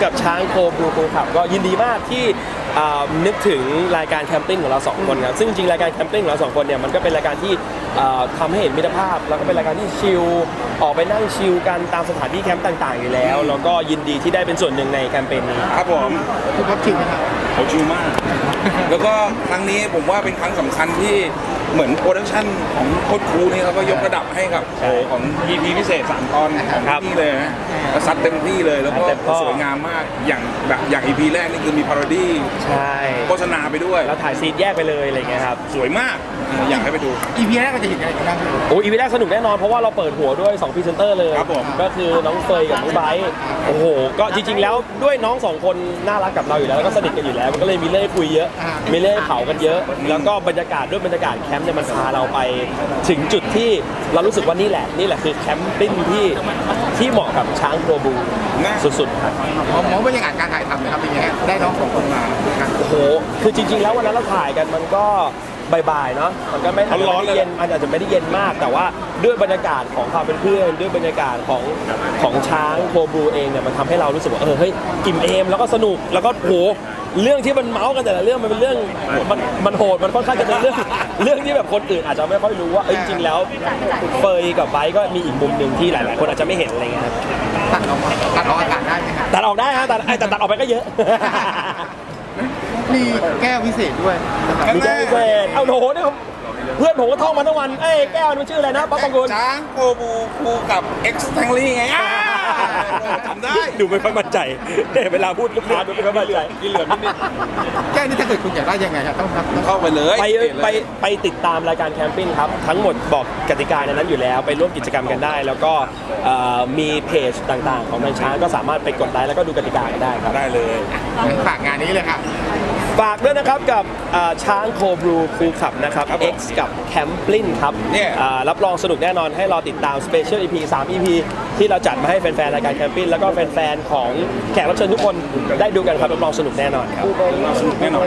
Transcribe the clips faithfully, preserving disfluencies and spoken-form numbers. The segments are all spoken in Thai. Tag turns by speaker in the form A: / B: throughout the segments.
A: กับช้างโคบลูคูขับก็ยินดีมากที่นึกถึงรายการแคมปิ้งของเราสองคนครับซึ่งจริงรายการแคมปิ้งของเราสองคนเนี่ยมันก็เป็นรายการที่ทำให้เห็นมิตรภาพแล้วก็เป็นรายการที่ชิลออกไปนั่งชิลกันตามสถานที่แคมป์ต่างๆอยู่แล้วแล้วก็ยินดีที่ได้เป็นส่วนหนึ่งในแคมเปญนี้
B: ครับผม
C: คุณพับชิลนะครับ
B: เขาชิลมาก แล้วก็ครั้งนี้ผมว่าเป็นครั้งสำคัญที่เหมือนโปรดักชั่นของโคตรคูนี่เขาก็ยกระดับให้กับโอของ อี พี พิเศษสามตอนของที่เลยนะซัดเต็มที่เลยแล้วก็สวยงามมากอย่างแบบอย่าง อี พี แรกนี่คือมีพาโรดี้
A: ใช่
B: โฆษณาไปด้วย
A: แล้วถ่ายซีนแยกไปเลยอะไรเงี้ยครับ
B: สวยมากอยากให้ไปดู
C: อี พี แรกก็จะเห็นอะไรกันบ้าง
A: โอ้ อี พี แรกสนุกแน่นอนเพราะว่าเราเปิดหัวด้วยสองพรีเซนเตอร์เลย
B: ครับผม
A: ก็คือน้องเฟยกับน้องไบร์ทโอ้โหก็จริงๆแล้วด้วยน้องสองคนน่ารักกับเราอยู่แล้วแล้วก็สนิทกันอยู่แล้วมันก็เลยมีเรื่องคุยเยอะมีเรื่องเผากันเยอะแล้วก็บรรยากาศด้วยบรรยากาศแคมป์เนี่ยมันพาเราไปถึงจุดที่เรารู้สึกว่านี่แหละนี่แหละคือแคมปิ้งที่ที่เหมาะกับช้างโคบูสุดๆครับ
C: มองบรรยากาศการถ่ายทำนะครับเป็นยังไงได้น้องสองคนมา
A: โอ้โหคือจริงๆแล้ววันนั้นเราถ่ายกันมันก็บ่ายๆเนาะมันก็ไม่ร้อนเย็นมันอาจจะไม่ได้เย็นมากแต่ว่าด้วยบรรยากาศของความเป็นเพื่อนด้วยบรรยากาศของของช้างโคบูเองเนี่ยมันทำให้เรารู้สึกว่าเออเฮ้ยอิ่มเอมแล้วก็สนุกแล้วก็โหเรื่องที่มันเมาส์กันแต่ละเรื่องมันเป็นเรื่องมันมันโหดมันค่อนข้างจะเป็นเรื่องเรื่องที่แบบคนอื่นอาจจะไม่ค่อยรู้ว่าจริงๆแล้วเฟยกับไบค์ก็มีอีกมุมหนึ่งที่หลายๆคนอาจจะไม่เห็นอะไรเงี้ย
C: ตัดออกตัดออกอากาศได้ไหมครับ
A: ตัดออกได้ฮะตัดแต่ตัดออกไปก็เยอะ
C: มีแก้วพิเศษด้วย
A: มีแก้วพิเศษเอาโหเนี่ยเพื่อนผมก็ท่องมาทั้งวันเอ้ยแก้วมันชื่ออะไรนะป๊อปปองกุล
B: ช้างโคบูคูกับเอ็กซ์แทงลี่ไงจำได้
A: ดูไม่ค่อยมั่นใจเวลาพูดลูกค้าดูไม่ค่อยมั่นใจ
B: กินเหลือนิด
C: แก้วนี่ถ้าเกิดคุณอยากได้ยังไงครับต้อง
B: เข้าไปเลย
A: ไปไปไปติดตามรายการแคมปิ้งครับทั้งหมดบอกกติกาในนั้นอยู่แล้วไปร่วมกิจกรรมกันได้แล้วก็มีเพจต่างๆของทางช้างก็สามารถไปกดไลค์แล้วก็ดูกติกากันได้ครับ
B: ได้เลย
C: ฝากงานนี้เลยครับ
A: ฝากด้วยนะครับกับช้างโคบลูคูขับนะครับ X กับแคมปลิ้นครับรับรองสนุกแน่นอนให้รอติดตาม Special อี พี สาม อี พี ที่เราจัดมาให้แฟนๆรายการแคมปิ้งแล้วก็แฟนๆของแขกรับเชิญทุกคนได้ดูกันครับรับรองสนุกแน่นอนครับ
B: สนุกแน่นอน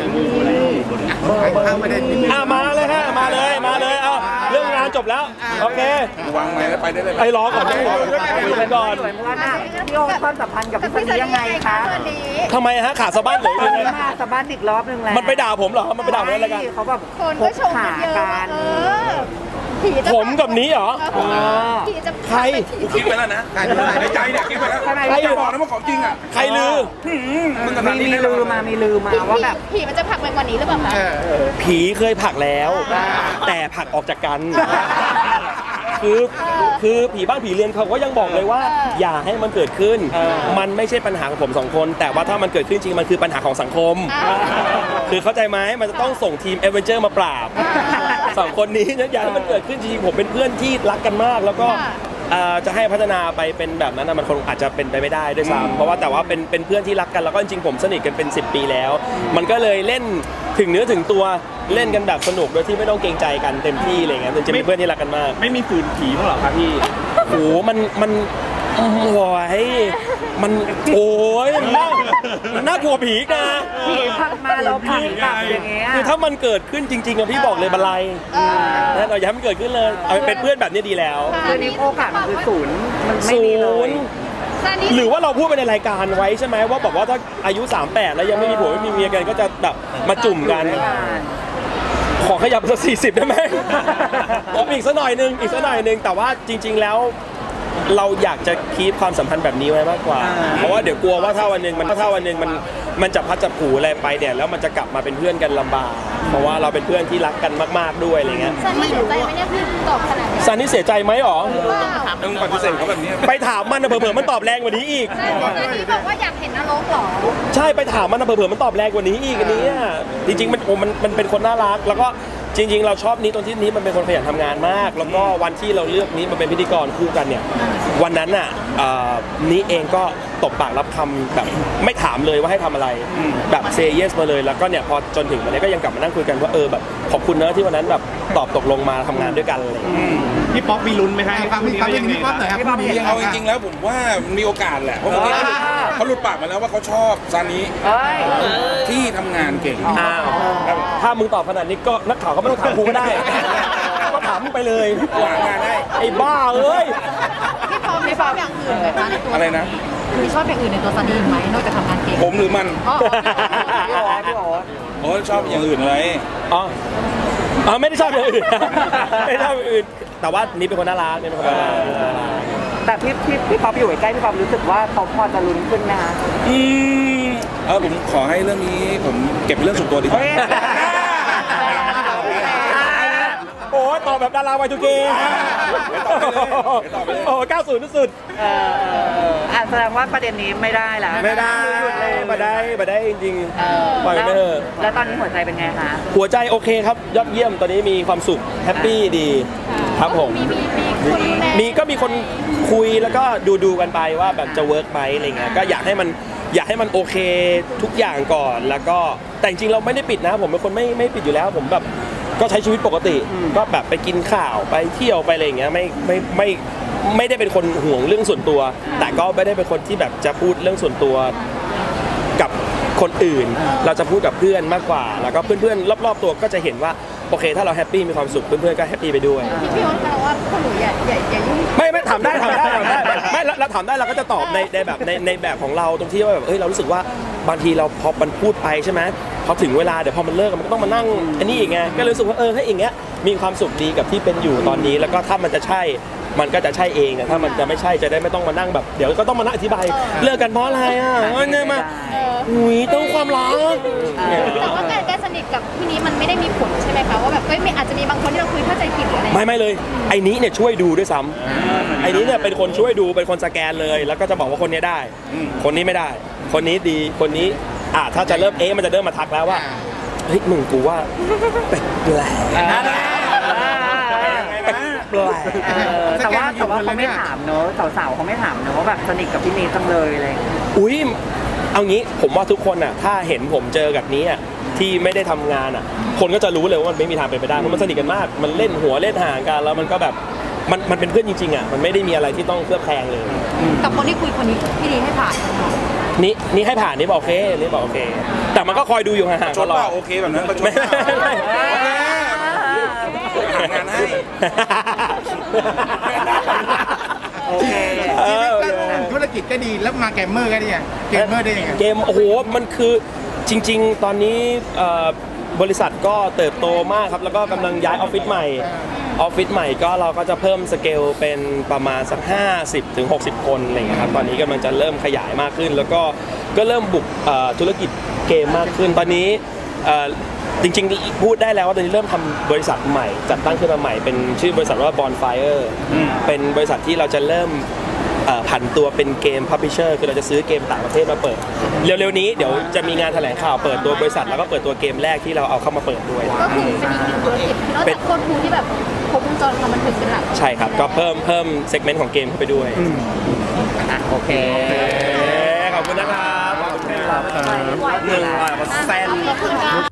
A: อ่ะมาเลยฮะมาเลยมาเลยเอาเรื่องงานจบแล้วโอเคว
B: างไม้แล้วไปได้เลย
A: ไอ้รอก่อนคุยกันก่อน
D: พี่โอ๊ตความสัมพันธ์กับพี่ซันนี่ยังไงคะ
A: ทำไมฮะขาสะบั้นหรือยังไง
D: มาสะบั้นอีกรอบนึงแล้ว
A: มันไปด่าผมเหรอมันไปด่าผมอะไรกัน
D: เขาแบบพบขากัน
A: ผมกับนี้เหรอใคร
B: คิดไปแล้วนะในใจเนี่ยคิดไปแล้วใครบอกนะว่าของจริงอ่ะ
A: ใครลือ
D: มีมีลือมามีลือมาว่าแบบ
E: ผีมันจะผลักไปกว่านี้หรือเปล่าคะ
A: ผีเคยผลักแล้วแต่ผลักออกจากกันคือคือผีบ้านผีเรือนเขาก็ยังบอกเลยว่าอย่าให้มันเกิดขึ้นมันไม่ใช่ปัญหาของผมสองคนแต่ว่าถ้ามันเกิดขึ้นจริงมันคือปัญหาของสังคมคือเข้าใจไหมมันจะต้องส่งทีมเอเวนเจอร์มาปราบสองคนนี้อย่าให้มันเกิดขึ้นจริงผมเป็นเพื่อนที่รักกันมากแล้วก็จะให้พัฒนาไปเป็นแบบนั้นมันคงอาจจะเป็นไปไม่ได้ด้วยซ้ำเพราะว่าแต่ว่าเป็นเป็นเพื่อนที่รักกันแล้วก็จริงผมสนิทกันเป็นสิบปีแล้วมันก็เลยเล่นถึงเนื้อถึงตัวเล่นกันแบบสนุกโดยที่ไม่ต้องเกรงใจกันเต็มที่อะไรเงี้ยจะเป็นเพื่อนที่รักกันมาก
B: ไม่มีฝืนผีมั้งหรอครับพี่
A: โอ้มันมันโอ้ยมันโอ้ยมันน่ามันน่ากลัวผีนะ
D: ผีพักมาเราผีกลับอย่างเงี้ย
A: คือถ้ามันเกิดขึ้นจริงๆอะพี่บอกเลยบันไลนั่นเราอย่าให้มันเกิดขึ้นเลยเอาเป็นเพื่อนแบบนี้ดีแล้ว
D: คือนี้โอกาสมันคือศูนย์มันไม่มีเลย
A: หรือว่าเราพูดไปในรายการไว้ใช่ไหมว่าบอกว่าถ้าอายุสามสิบแปดแล้วยังไม่มีผัวไม่มีเมียกันก็จะแบบมาจุ่มกันขอขยับสักสี่สิบได้ไหมผมอีกสักหน่อยนึงอีกสักหน่อยนึงแต่ว่าจริงๆแล้วเราอยากจะคีปความสัมพันธ์แบบนี้ไว้มากกว่าเพราะว่าเดี๋ยวกลัวว่าถ้าวันนึงมันถ้าวันนึงมันมันจะพัดจะผูอะไรไปเนี่ยแล้วมันจะกลับมาเป็นเพื่อนกันลำบากเพราะว่าเราเป็นเพื่อนที่รักกันมากๆด้วยอะไรเงี้ย
E: ซันนี่เสียใจไหมเนี่ยพี่ตอบขนาดนี้
A: ซันนี่เสียใจไหมหรอ
B: ต้องปฏิเสธเขาแบบนี้
A: ไปถามมันนะเผื่อๆมันตอบแรงกว่านี้อีก
E: ซันนี่บอกว่าอยากเห็นนรกหรอ
A: ใช่ไปถามมันนะเผื่อๆมันตอบแรงกว่านี้อีกอันนี้จริงๆมันมันมันเป็นคนน่ารักแล้วก็จริงๆเราชอบนี้ตรงที่นี้มันเป็นคนขยันทำงานมากแล้วก็วันที่เราเลือกนี้มาเป็นพิธีกรคู่กันเนี่ยวันนั้นน่ะนี้เองก็ตบปากรับคำแบบไม่ถามเลยว่าให้ทำอะไรแบบเซย์เยสมาเลยแล้วก็เนี่ยพอจนถึงวันนี้ก็ยังกลับมานั่งคุยกันว่าเออแบบขอบคุณนะที่วันนั้นแบบตอบตกลงมาทำงานด้วยกันเลย
B: พี่ป๊อปมีลุ้นไหมครับ
C: พี่ป๊อปยังพี่ป๊อปหน่อยครับ
B: เอาจริงๆแล้วผมว่ามีโอกาสแหละเพราะเมื่อกี้เขาหลุดปากมาแล้วว่าเขาชอบซานิที่ทำงานเก่ง
A: ถ้ามึงตอบขนาดนี้ก็นักข่าวก็ไม่ต้องถามกูก็ได้ถถามมึงไปเลย
B: หางานให้
A: ไอ้บ้าเอ้ย
E: พี่พร้อมไม่ชอบอย่างอื่นไหมคะในตัว
B: อะไรนะ
E: พี่ชอบอย่างอื่นในตัวซันนี่ไหมนอกจากทำงานเก่ง
B: ผมหรือมัน
E: อ๋อ
D: พี่โอ๊ตพี่โอ๊ต
B: โอ้ชอบอย่างอื่นอะไร
A: อ๋ออ๋อไม่ได้ชอบอย่างอื่น ไม่ได้ชอบอย่างอื่น แต่ว่านี่เป็นคนน่ารักนี่เป็นคนน่ารักน่ารัก
D: แต่พี่พี่พี่ป๊อปอยู่ใกล้พี่ป๊อปรู้สึกว่าเขาพอจะลุ้นขึ้นไหมคะ
B: อืมเออผมขอให้เรื่องนี้ผมเก็บเป็นเรื่องส่วนตัวดีกว่า
D: เฮ้ย
A: โอ้ยตอบแบบดาราวัยทูเกโอ้เก้าศูนย์สุด
D: เออเออเอออ่ะแสดงว่าประเด็นนี้ไม่ได้แล้ว
A: ไม่ได้
D: หยุดเลย
A: มาได้มาได้จริง
D: เออ
A: ๆปล่อยไปเถอะ
D: แล้วตอนนี้หัวใจเป็นไงคะ
A: หัวใจโอเคครับ ยอดเยี่ยมตอนนี้มีความสุขแฮปปี้ดีครับผม
E: มีมีมีคนดูแล
A: มีก็มีคนคุยแล้วก็ดูดูกันไปว่าแบบจะเวิร์กไหมอะไรเงี้ยก็อยากให้มันอยากให้มันโอเคทุกอย่างก่อนแล้วก็แต่จริงๆเราไม่ได้ปิดนะผมเป็นคนไม่ไม่ปิดอยู่แล้ว ผมแบบก็ใช้ชีวิตปกติ ก็แบบไปกินข้าวไปเที่ยวไปอะไรอย่างเงี้ยไม่ไม่ไม่ไม่ได้เป็นคนห่วงเรื่องส่วนตัว แต่ก็ไม่ได้เป็นคนที่แบบจะพูดเรื่องส่วนตัวกับคนอื่น เราจะพูดกับเพื่อนมากกว่า แล้วก็เพื่อนๆรอบๆตัวก็จะเห็นว่าโอเค ถ้าเราแฮปปี้มีความสุขเพื่อนๆก็แฮปปี้ไปด้วย
E: พี่พี่โอ๊ตคะว่าพวกหนูอย่าอย่าอย่ายุ่ง
A: ไม่ไม่ถามได้ถามได้ถามได้ไม่เราเราถามได้เราก็จะตอบในในแบบในในแบบของเราตรงที่ว่าแบบเอ้ยเรารู้สึกว่าบางทีเราพอมันพูดไปใช่ไหมพอถึงเวลาเดี๋ยวพอมันเลิกมันก็ต้องมานั่งอันนี้อีกไงก็เลยรู้สึกว่าเออให้อย่างเงี้ยมีความสุขดีกับที่เป็นอยู่ตอนนี้ แล้วก็ถ้ามันจะใช่มันก็จะใช่เองอะถ้ามันจะไม่ใช่จะได้ไม่ต้องมานั่งแบบเดี๋ยวก็ต้องมานั่งอธิบายเลิกกันเพราะอะไรอ่ะเอ้ยเนี่ยมาหุยต้องความรัก
E: แต่ว่าการการสนิทกับพี่นี้มันไม่ได้มีผลใช่ไหมคะว่าแบบเอ้ยไม่อาจจะมีบางคนที่เราคุยเข้าใจผิดหรืออะไร
A: ไม่ไม่เลยไอ้นี้เนี่ยช่วยดูด้วยซ้ำไอ้นี้เนี่ยเป็นคนช่วยดูเป็นคนสแกนเลย แล้วก็จะบอกว่าคนนี้ได้ คนนี้ไม่ได้ คนนี้ดีคนนี้อ่ะถ้าจะเริ่มเอ๊ะมันจะเริ่มมาทักแล้วว่าเฮ้ยมึงกูว่าแปลกแปลกแปลก
D: เออแต่ว่าแต่ว่าเขาไม่ถามเนอะสาวๆเขาไม่ถามเนอะว่าแบบสนิทกับพี่นีจังเลยอะไรอย่างเงี้ย
A: อุ้ยเอางี้ผมว่าทุกคนอ่ะถ้าเห็นผมเจอกับนี้อ่ะที่ไม่ได้ทำงานอ่ะคนก็จะรู้เลยว่ามันไม่มีทางเป็นไปได้เพราะมันสนิทกันมาก มันเล่นหัวเล่นหางกันแล้วมันก็แบบมันมันเป็นเพื่อนจริงๆอ่ะมันไม่ได้มีอะไรที่ต้องเคลือบแคลงเลย
E: กับคนที่คุยคนนี้พี่นีให้ผ่าน
A: นี่นี่ให้ผ่านนี่บอกโอเคนี่บอกโอเค แต่มันก็คอยดูอยู่ห่างๆ
B: ช
A: ต
B: ด
A: ลอ
B: เป
A: ด
B: ล่าโอเคแบบนั้นประชด
A: ไม่
B: เปล่า
A: ไม่
B: หางานให้
D: โอเค
A: เออ
C: ธุรกิจก็ดีแล้วมาแกมเมอร์ก็ดีอะเกมเมอร์ได้ยังไง
A: เกมโอ้โหมันคือจริง ๆ ตอนนี้เอ่อบริษัทก็เติบโตมากครับแล้วก็กำลังย้ายออฟฟิศใหม่ออฟฟิศใหม่ก็เราก็จะเพิ่มสเกลเป็นประมาณสักห้าสิบถึงหกสิบคนอะไรอย่างเงี้ยครับตอนนี้กำลังจะเริ่มขยายมากขึ้น แล้วก็ก็เริ่มบุกเอ่อธุรกิจเกมมากขึ้น ตอนนี้เอ่อจริงๆพูดได้แล้วว่าตอนนี้เริ่มทำบริษัทใหม่จัดตั้งขึ้นมาใหม่เป็นชื่อบริษัทว่า Bonfire เป็นบริษัทที่เราจะเริ่มเอ่อผันตัวเป็นเกมพับลิเชอร์คือเราจะซื้อเกมต่างประเทศมาเปิด เร็วๆนี้เดี๋ยวจะมีงานแถลงข่าวเปิดตัวบริษัทแล้วก็เปิดตัวเกมแรกที่เราเอาเข้ามาเปิดด้วย
E: ก็คือเป็นอีกหนึ่งธุรกิจนอกจากโคตรคูที่แบบครบวงจรความบันเทิงเป็นหลัก
A: ใช่ครับ ก็เพิ่มเพิ่มเซกเมนต์ของเกมเข้าไปด้วย
D: อ่ะโอเค
A: ขอบคุณนะครับ ขอบคุณครับหนึ่งอ่ะแซน
E: ขอบคุณค่ะ